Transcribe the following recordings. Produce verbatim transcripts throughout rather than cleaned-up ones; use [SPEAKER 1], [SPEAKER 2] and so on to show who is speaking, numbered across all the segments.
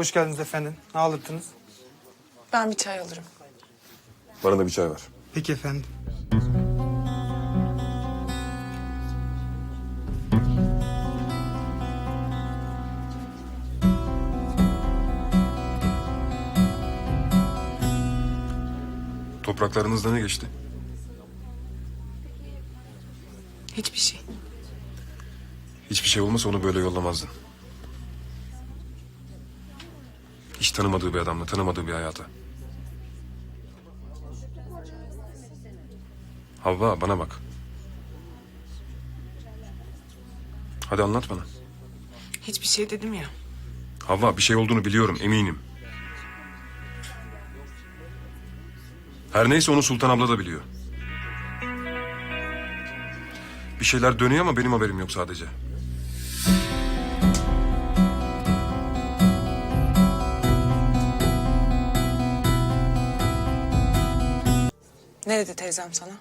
[SPEAKER 1] Hoş geldiniz efendim. Ne alırdınız?
[SPEAKER 2] Ben bir çay alırım.
[SPEAKER 3] Bana da bir çay ver.
[SPEAKER 1] Peki efendim.
[SPEAKER 3] Topraklarınızda ne geçti?
[SPEAKER 2] Hiçbir şey.
[SPEAKER 3] Hiçbir şey olmasa onu böyle yollamazdın. Hiç tanımadığı bir adamla, tanımadığı bir hayata. Havva, bana bak. Hadi anlat bana.
[SPEAKER 2] Hiçbir şey dedim ya.
[SPEAKER 3] Havva, bir şey olduğunu biliyorum, eminim. Her neyse onu Sultan abla da biliyor. Bir şeyler dönüyor ama benim haberim yok sadece.
[SPEAKER 2] Ne dedi teyzem sana?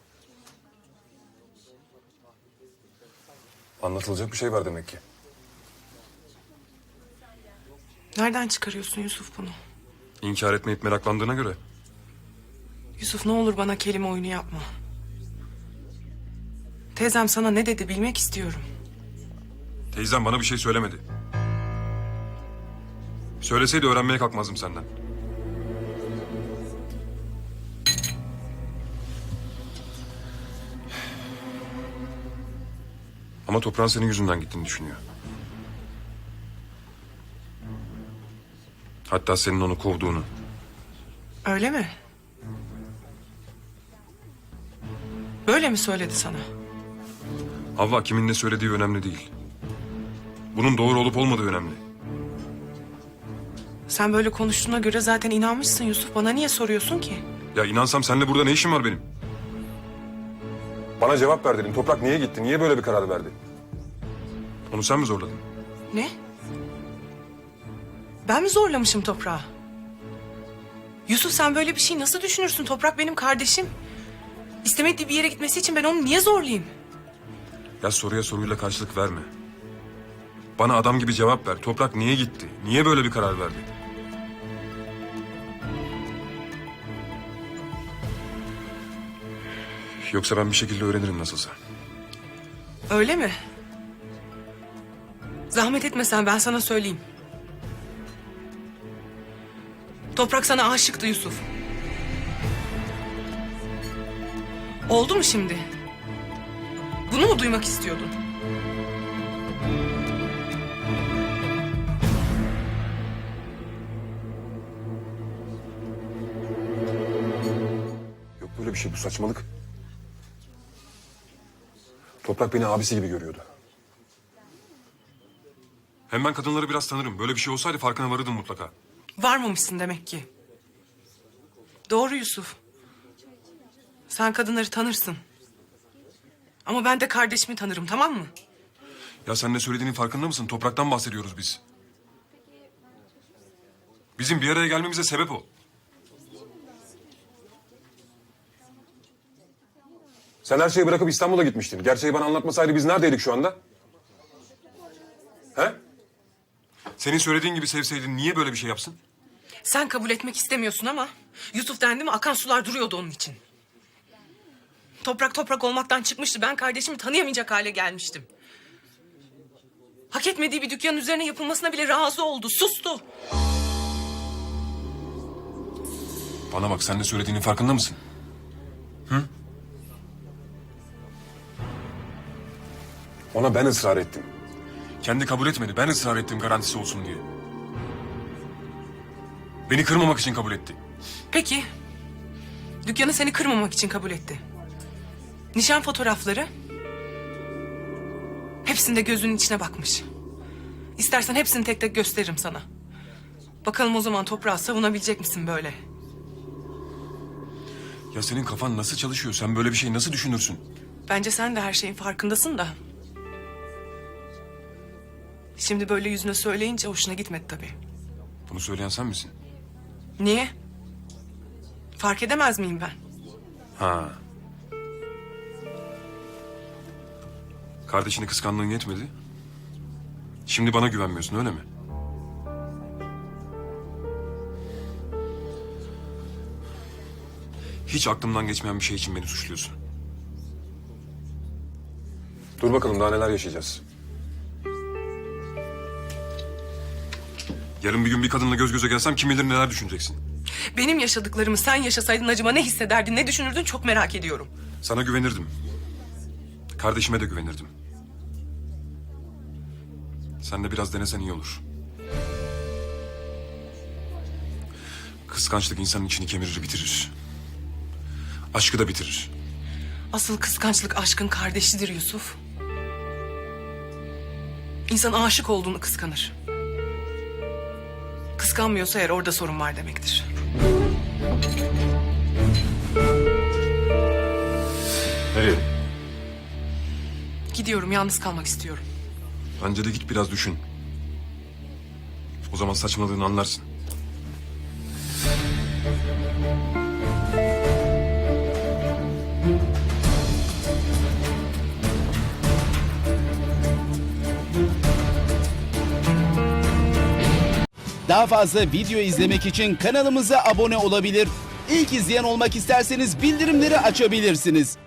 [SPEAKER 3] Anlatılacak bir şey var demek ki.
[SPEAKER 2] Nereden çıkarıyorsun Yusuf bunu?
[SPEAKER 3] İnkar etmeyip meraklandığına göre.
[SPEAKER 2] Yusuf ne olur bana kelime oyunu yapma. Teyzem sana ne dedi bilmek istiyorum.
[SPEAKER 3] Teyzem bana bir şey söylemedi. Söyleseydi öğrenmeye kalkmazdım senden. Ama toprağın senin yüzünden gittiğini düşünüyor. Hatta senin onu kovduğunu.
[SPEAKER 2] Öyle mi? Böyle mi söyledi sana?
[SPEAKER 3] Havva, kimin ne söylediği önemli değil. Bunun doğru olup olmadığı önemli.
[SPEAKER 2] Sen böyle konuştuğuna göre zaten inanmışsın Yusuf. Bana niye soruyorsun ki?
[SPEAKER 3] Ya inansam seninle burada ne işim var benim? Bana cevap ver dedim. Toprak niye gitti? Niye böyle bir karar verdi? Onu sen mi zorladın?
[SPEAKER 2] Ne? Ben mi zorlamışım toprağı? Yusuf sen böyle bir şey nasıl düşünürsün? Toprak benim kardeşim. İstemediği bir yere gitmesi için ben onu niye zorlayayım?
[SPEAKER 3] Ya soruya soruyla karşılık verme. Bana adam gibi cevap ver. Toprak niye gitti? Niye böyle bir karar verdi? Yoksa ben bir şekilde öğrenirim nasılsa.
[SPEAKER 2] Öyle mi? Zahmet etmesen ben sana söyleyeyim. Toprak sana aşıktı Yusuf. Oldu mu şimdi? Bunu mu duymak istiyordun?
[SPEAKER 3] Yok böyle bir şey, bu saçmalık. Toprak beni abisi gibi görüyordu. Hem ben kadınları biraz tanırım. Böyle bir şey olsaydı farkına varırdım mutlaka.
[SPEAKER 2] Varmamışsın demek ki. Doğru Yusuf. Sen kadınları tanırsın. Ama ben de kardeşimi tanırım, tamam mı?
[SPEAKER 3] Ya sen ne söylediğinin farkında mısın? Topraktan bahsediyoruz biz. Bizim bir araya gelmemize sebep o. Sen her şeyi bırakıp İstanbul'a gitmiştin. Gerçeği bana anlatmasaydı biz neredeydik şu anda? He? Senin söylediğin gibi sevseydin niye böyle bir şey yapsın?
[SPEAKER 2] Sen kabul etmek istemiyorsun ama... Yusuf dendi mi akan sular duruyordu onun için. Toprak toprak olmaktan çıkmıştı. Ben kardeşimi tanıyamayacak hale gelmiştim. Hak etmediği bir dükkanın üzerine yapılmasına bile razı oldu. Sustu.
[SPEAKER 3] Bana bak, sen ne söylediğinin farkında mısın? Hı? Ona ben ısrar ettim. Kendi kabul etmedi. Ben ısrar ettim garantisi olsun diye. Beni kırmamak için kabul etti.
[SPEAKER 2] Peki. Dükkanı seni kırmamak için kabul etti. Nişan fotoğrafları... hepsinde gözünün içine bakmış. İstersen hepsini tek tek gösteririm sana. Bakalım o zaman toprağı savunabilecek misin böyle?
[SPEAKER 3] Ya senin kafan nasıl çalışıyor? Sen böyle bir şey nasıl düşünürsün?
[SPEAKER 2] Bence sen de her şeyin farkındasın da. Şimdi böyle yüzüne söyleyince hoşuna gitmedi tabii.
[SPEAKER 3] Bunu söyleyen sen misin?
[SPEAKER 2] Niye? Fark edemez miyim ben?
[SPEAKER 3] Ha. Kardeşini kıskandığın yetmedi. Şimdi bana güvenmiyorsun, öyle mi? Hiç aklımdan geçmeyen bir şey için beni suçluyorsun. Dur bakalım daha neler yaşayacağız. Yarın bir gün bir kadınla göz göze gelsem kim bilir neler düşüneceksin.
[SPEAKER 2] Benim yaşadıklarımı sen yaşasaydın acaba ne hissederdin, ne düşünürdün çok merak ediyorum.
[SPEAKER 3] Sana güvenirdim. Kardeşime de güvenirdim. Sen de biraz denesen iyi olur. Kıskançlık insanın içini kemirir, bitirir. Aşkı da bitirir.
[SPEAKER 2] Asıl kıskançlık aşkın kardeşidir Yusuf. İnsan aşık olduğunu kıskanır. Kıskanmıyorsa eğer orada sorun var demektir.
[SPEAKER 3] Nereye?
[SPEAKER 2] Gidiyorum, yalnız kalmak istiyorum.
[SPEAKER 3] Bence de git biraz düşün. O zaman saçmaladığını anlarsın.
[SPEAKER 4] Daha fazla video izlemek için kanalımıza abone olabilir. İlk izleyen olmak isterseniz bildirimleri açabilirsiniz.